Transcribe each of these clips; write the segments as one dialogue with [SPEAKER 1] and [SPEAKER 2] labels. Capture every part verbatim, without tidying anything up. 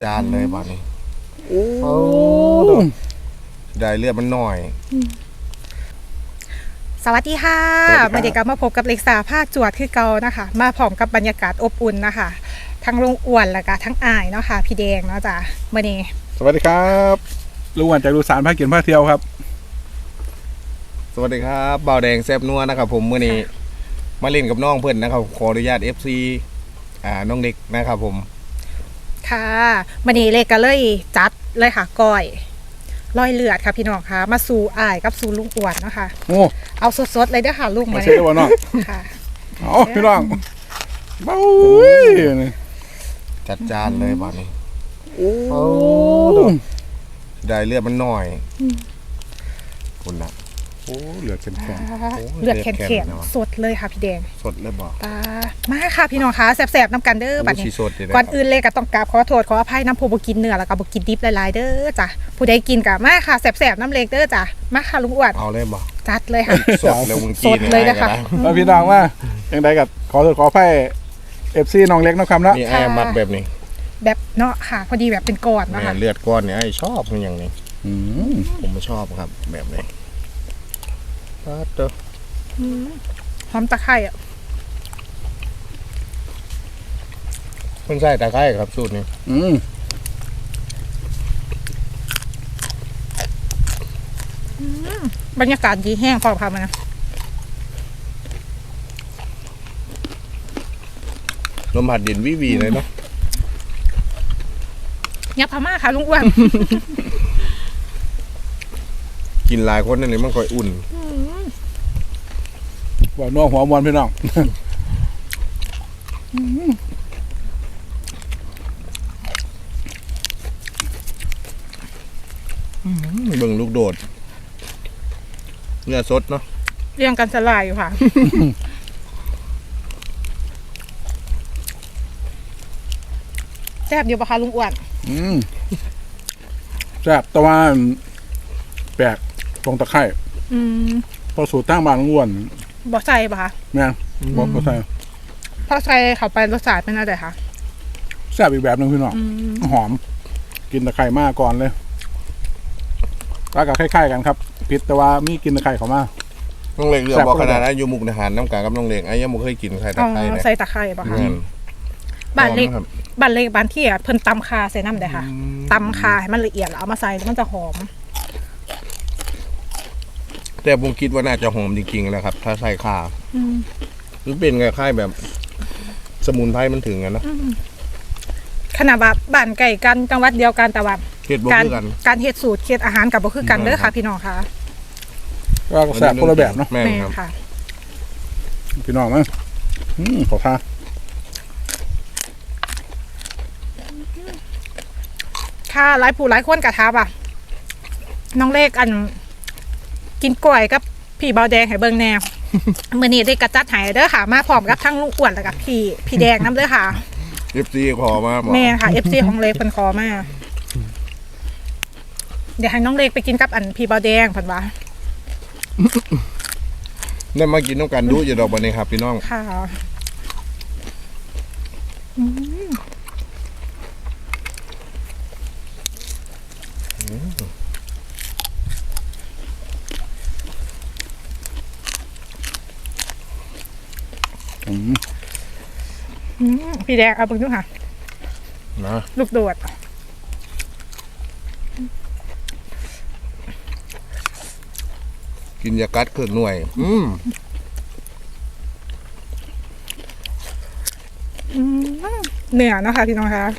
[SPEAKER 1] จานเลยบ้านี้โอ้ได้เลือดมันหน่อย
[SPEAKER 2] สวัสดีค่ะมาเด็กกับมาพบกับเล็กสาภาคจวดคือเก่านะคะมาพร้อมกับบรรยากาศอบอุ่นนะคะทั้งลุงอ้วนแล้วก็ทั้งอายเนาะค่ะพี่แดงเนาะจ้ะเมื่อนี้
[SPEAKER 3] สวัสดีครับลุงอ้วนจากลูสานภาคเกียรติภาคเที่ยวครับ
[SPEAKER 1] สวัสดีครับบ่าวแดงแซ่บนัวนะครับผมเมื่อนี้มาเล่นกับน้องเพื่อนนะครับขออนุญาต เอฟ ซี อ่าน้องเด็กนะครับผม
[SPEAKER 2] ค่ะมื่อนี้เล็กก็เลยจัดเลยค่ะก้อยร้อยเลือดค่ะพี่น้องค่ะมาสู่อายกับสู่ลุงอ้วนเนาะค่ะ
[SPEAKER 3] โอ้
[SPEAKER 2] เอาสดๆเลยเด้อค่ะลุง
[SPEAKER 3] มาเชื่อว่าน้อง
[SPEAKER 2] ค่ะ
[SPEAKER 3] เอาพี่น้องเบ้า
[SPEAKER 1] จัดจานเลยบ้านี้
[SPEAKER 3] โอ้
[SPEAKER 1] ได้เลือดมันหน่อยคุณนะ
[SPEAKER 3] โอ้เลือดแข็ง
[SPEAKER 2] เลือดแข็งๆสดเลยค่ะพี่แดง
[SPEAKER 1] สดเลยบอก
[SPEAKER 2] ตามาค่ะพี่น้องค่ะแสบๆน้ำกันเด้อบัดนี้ก่อนอื่นเลยก็ต้องกราบขอโทษขออภัยน้ำผู้บ่กินเนื้อแล้วก็บ่กินดิบหลายๆเด้อจ้ะผู้ใดกินก็มาค่ะแสบๆน้ำเล็กเด้อจ้ะมาค่ะลุงอ้วน
[SPEAKER 1] เอาเลยบอก
[SPEAKER 2] จัดเลยค่ะ
[SPEAKER 1] สดเลยมึงกิน
[SPEAKER 2] สดเลยนะคะ
[SPEAKER 3] แล้วพี่น้องว่ายังไงกับขอโทษขออภัยเอฟซีน้องเล็กน้องคำนะ
[SPEAKER 1] นี่ไอ้มักแบบนี้
[SPEAKER 2] แบบเนาะค่ะพอดีแบบเป็นก้อนนะคะ
[SPEAKER 1] เลือดก้อนเนี่ยไอ้ชอบมันอย่างนี้ผมไม่ชอบครับแบบนี้เด้อ
[SPEAKER 2] หอมตะไคร้อ่ะ
[SPEAKER 1] คุณใส่ตะไคร้ครับสูตรนี้
[SPEAKER 3] อืม
[SPEAKER 2] บรรยากาศดีแห้งพอพามานะ
[SPEAKER 1] ลมพัดเย็นวิวีเลยเนาะ
[SPEAKER 2] ยับพม่าค่ะลุงอ้วน
[SPEAKER 1] กินหลายคนนั่นเลยมันค่อยอุ่น
[SPEAKER 3] ว่าน้องหัวมวนพี่น้อง
[SPEAKER 1] เบิ่งลูกโดดเนื้อสดเนาะ
[SPEAKER 2] เรียงกันสลายอยู่ค่ะแซ่บอยู่ปะคะลุงอ้วน
[SPEAKER 3] อืมแซ่บแต่ว่าแปลกตรงตะไคร้
[SPEAKER 2] อืม
[SPEAKER 3] พอสูตรตั้งบางลุงอ้วน
[SPEAKER 2] บ่ใส่ปะคะ
[SPEAKER 3] แม่บ่บ่ใส่
[SPEAKER 2] พอใส่เข้าไปรสชาติเป็นอะไรคะ
[SPEAKER 3] แซ่บอีกแบบนึงพี่น้องหอมกินตะไคร้มากก่อนเลยก็กับคล้ายๆกันครับพิษแต่ว่ามีกินตะไคร้เขามา
[SPEAKER 1] น้องเล็กเรือบอกขนาดนั้นอยู่มุกดาหารน้ำกากับน้องเล็กไอ้ยังไม่เคยกินไข่ตะไคร้
[SPEAKER 2] ใส่ตะไคร้ปะคะบ้านเล็กบ้านเล็กบ้านที่อ่ะเพิ่นตำคาใส่น้ำได้ค่ะตำคาให้มันละเอียดแล้วเอามาใส่แล้วมันจะหอม
[SPEAKER 1] แต่ผมคิดว่าน่าจะหอมจริงๆแล้วครับถ้าใส่ข่าหรือเป็นไงค่ายแบบสมุนไพรมันถึงกันนะ
[SPEAKER 2] ขนาดแบบบ้านไก่กันจังหวัดเดียวกันแต่ว่า
[SPEAKER 1] การ
[SPEAKER 2] การเฮ็ดสูตรเฮ็ดอาหารกับบ่คือกันเด้อค่ะพี่น้องค่ะ
[SPEAKER 3] ก็แซ่บคนละแบบเนาะ
[SPEAKER 1] แม่ค่ะ
[SPEAKER 3] พี่น้องมั้งขอท่า
[SPEAKER 2] ค่ะหลายผู้หลายคนกะทาบ่ะน้องเล็กอันกินกล้วยกับพี่เบาแดงให้เบิ่งแนวมื้อนี้ได้กระจัดให้เด้อค่ะมาพร้อมกับทั้งลุงอ้วนแล้วกับพี่พี่แดงนำเด้อค่ะ
[SPEAKER 1] เอฟ ซี ขอมา
[SPEAKER 2] แม่ค่ะ เอฟ ซี ของเล็กเพิ่นขอมาเดี๋ยวให้น้องเล็กไปกินกับอันพี่เบาแดงเพิ่นว่า
[SPEAKER 1] ได้มากินน้ำกันดูอย่าดอกบันนี้ครับพี่น้อง
[SPEAKER 2] ค่ะพี่แดงเอาเบิ่งดูค่ะ
[SPEAKER 1] นะ
[SPEAKER 2] ลูกโดด
[SPEAKER 1] กินยากัดเครื่องหน่วยอืม
[SPEAKER 2] เหนือเนาะค่ะพี่น้องคะ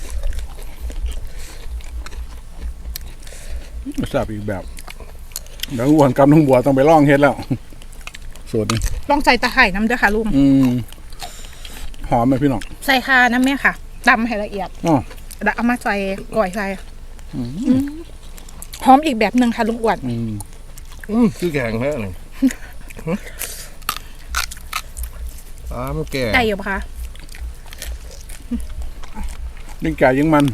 [SPEAKER 3] แซ่บอีกแบบแล้วอ้วนกับน้องบัวต้องไปล่องเฮ็ดแล้วสูตรนี้
[SPEAKER 2] ลองใส่ตะไคร้น้ำเด้อค่ะลุง
[SPEAKER 3] อืมหอมไหมพี่น้อง
[SPEAKER 2] ใส่ค่ะน้ำแม่ค่ะตำให้ละเอียด
[SPEAKER 3] อ๋อ
[SPEAKER 2] แล้วเอามาใส่ก่อยใส่หอมอีกแบบหนึ่งค่ะลุงอ้วน
[SPEAKER 1] อืมอืมคือแกงแท้เลยอ้ามันแก่
[SPEAKER 2] ได้อยู่ปะคะ
[SPEAKER 3] ยิ่งแก่ยิ่งมัน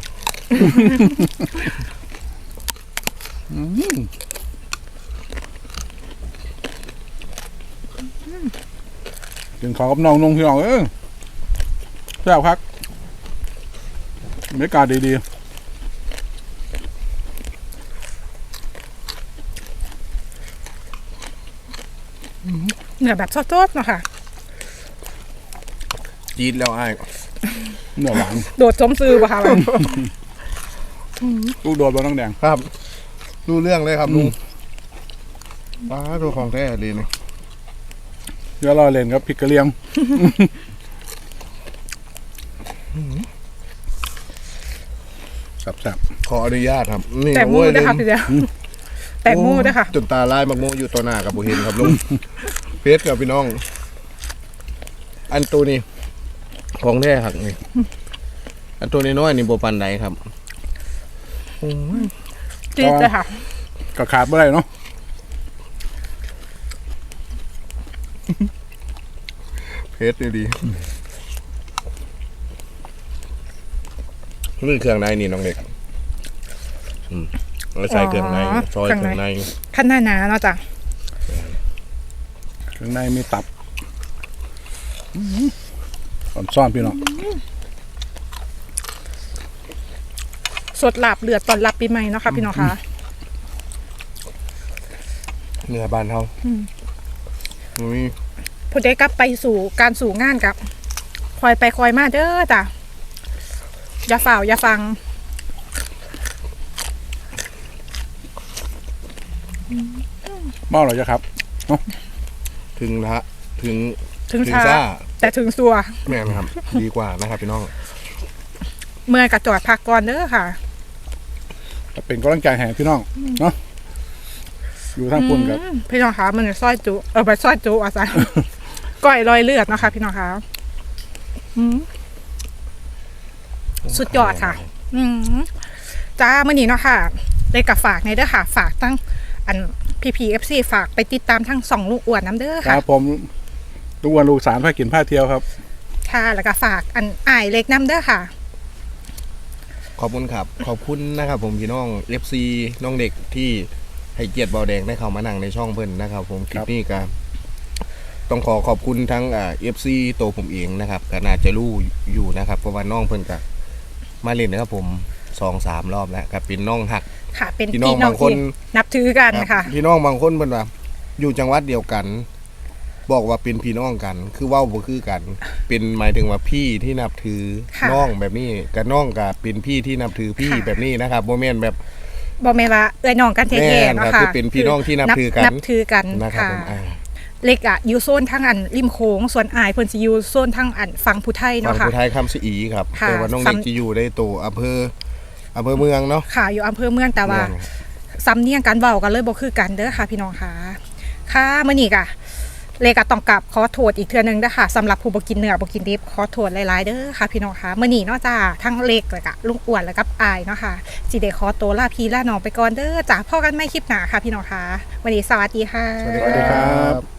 [SPEAKER 3] กินข้าวกับน้องนุ่งพี่น้องเออแซ่บครับบรรยากาศดีๆ
[SPEAKER 2] เนื้อแบบสดๆเนาะค่ะ
[SPEAKER 1] จี๊ดแล้วไอ้าย
[SPEAKER 3] เนื้อหวาน
[SPEAKER 2] โดดสมซื้อป่ะคะ
[SPEAKER 3] ลูกโดดบนน้องแดง
[SPEAKER 1] ครับรู้เรื่องเลยครับลุงป้าตัวของแท้เลยนี่
[SPEAKER 3] เดี๋ยวรอเล่นครับพริกกระเลียงสับ
[SPEAKER 1] ขออนุญาตครับนี่
[SPEAKER 2] แต่มู
[SPEAKER 1] โอ้ย
[SPEAKER 2] ด้วยค่ะพี่เดียวแต่มูด้วยค่ะ
[SPEAKER 1] จนตาลายมักโมอยู่ต่อหน้ากับบุเห็นครับลุง เพชรกับพี่น้อง อันตัวนี้ของแท้ครับนี่อันตัวนี้น้อยนี่โบปันใดครับโอ้ย
[SPEAKER 2] จี๊ดเลยค่ะ
[SPEAKER 3] ๆก็ขาดไม่ได้เนาะ
[SPEAKER 1] เพชรนี่ดีนี่เครื่องในนี่น้องเด็กอืมแล้วใส่เครื่องในซอยเครื่องใน
[SPEAKER 2] ขั้นหน้าหนาเนาะจ้ะ
[SPEAKER 3] ข้างในมีตับอ่อนซ่อนพี่น้อง
[SPEAKER 2] สดหลับเลือดตอนรับปีใหม่เนาะค่ะพี่น้องคะ
[SPEAKER 1] เนื้อบานเท่านี่
[SPEAKER 2] ผู้ใดกลับไปสู่การสู่งานกับคอยไปคอยมาเด้อจ้ะอย่าฝ่าวอย่าฟัง
[SPEAKER 3] เมาหรอจ๊ะครับ
[SPEAKER 1] ถึงละถึง
[SPEAKER 2] ถึง
[SPEAKER 1] ถึง
[SPEAKER 2] ช้า
[SPEAKER 1] ซ่า
[SPEAKER 2] แต่ถึงสัว
[SPEAKER 1] แม่นครับ ดีกว่านะครับพี่น้อง
[SPEAKER 2] เมื่อยกับจอดพักก่อนเด้อค่ะ
[SPEAKER 3] จะเป็นกำลังใจแห่พี่น้องเนาะอยู่ทางปุ่นกับ
[SPEAKER 2] อืมพี่น้องคะมันจะซอยจุเออไปซอยจุอาจารย์ ก้อยรอยเลือดนะคะพี่น้องคะอืมสุดยอดค่ะ อืมจ้าเมื่อนี้เนาะค่ะได้กับฝากในเด้อค่ะ ฝากตั้งอันพีพีเอฟซีฝากไปติดตามทั้งสองลูกอ้วนน้ำเด้อ
[SPEAKER 3] ค
[SPEAKER 2] ค่ะ
[SPEAKER 3] รับผมลูกวันลูกสารผ้ากินผ้าเที่ยวครับ
[SPEAKER 2] ค่ะแล้วก็ฝากอันอ้ายเล็กน้ำเด้อค่ะ
[SPEAKER 1] ขอบคุณครับ ขอบคุณนะครับผมพี่น้องเอฟซีน้องเด็กที่ให้เกียรติเบาแดงได้เข้ามานั่งในช่องเพิ่นนะครับ ผมคลิปนี้ก็ต้องขอขอบคุณทั้งอ่าเอฟซีตัวผมเองนะครับก็น่าจะรู้อยู่นะครับเพราะว่าน้องเพิ่นก็มาเล่นนะครับผมสองสามรอบแล้วกับเป็นน้องหัก
[SPEAKER 2] ค่ะ เป็น
[SPEAKER 1] พี่น้อง
[SPEAKER 2] พี่น้อง
[SPEAKER 1] บางคน
[SPEAKER 2] ที่นับถือกัน
[SPEAKER 1] ครับ
[SPEAKER 2] ค่ะ
[SPEAKER 1] พี่น้องบางคนเพิ่นว่าอยู่จังหวัดเดียวกัน บอกว่าเป็นพี่น้องกัน คือเว้าบ่คือกัน เป็นหมายถึงว่าพี่ที่นับถือ
[SPEAKER 2] ค่ะ
[SPEAKER 1] น้องแบบนี้กับน้องกับเป็นพี่ที่นับถือพี่
[SPEAKER 2] ค่ะ
[SPEAKER 1] แบบนี้นะครับบ่แม่นแบบ
[SPEAKER 2] บอกแม่ว่าเอ้ยน้องกันแท้
[SPEAKER 1] แม่
[SPEAKER 2] ๆ
[SPEAKER 1] น
[SPEAKER 2] เนาะ
[SPEAKER 1] ครับ
[SPEAKER 2] ค่ะ
[SPEAKER 1] คือเป็นพี่น้องที่นับถือกัน
[SPEAKER 2] นับถือกัน
[SPEAKER 1] นะครับ
[SPEAKER 2] ค่ะ
[SPEAKER 1] ผมอ่า
[SPEAKER 2] เล็กอะอยู่โซนทั้งอันริมโขงส่วนอายเพิ่นสิอยู่โซนทั้งอันฝั่งผู้ไทย
[SPEAKER 1] ฝั่
[SPEAKER 2] เนาะ
[SPEAKER 1] ง
[SPEAKER 2] ค่ะ
[SPEAKER 1] ผู้ไทยคำสีอีครับ
[SPEAKER 2] ค่ะ
[SPEAKER 1] แต่ว่าน้องเด็ก
[SPEAKER 2] ซ้ำ
[SPEAKER 1] จะอยู่ได้ตัวอำเภออำเภอเมืองเนาะ
[SPEAKER 2] ค่ะอยู่อำเภอเมืองแต่ว่า
[SPEAKER 1] แม่น
[SPEAKER 2] ซ้ำเนียงกันเว้ากันเลยบ่คือกันเด้อค่ะ พี่น้องค่ะค่ะมื้อนี้ก็เลกก็ต้องกลับขอโทษอีกเทื่อนึงเด้อค่ะสำหรับผู้บ่กินเนื้อบ่กินดิบขอโทษหลายๆเด้อค่ะพี่น้องค่ะมื้อนี้เนาะจ้าทั้งเล็กแล้วก็ลุงอ้วนแล้วก็อายเนาะค่ะสิได้ขอตัวลาพี่ลาน้องไปก่อนเด้อจ้าพบกันใหม่คลิปหน้าค่ะพี่น้องค่ะวันนี้สวัสดีค่ะ
[SPEAKER 1] สวัสดี
[SPEAKER 3] สวัสดีครับ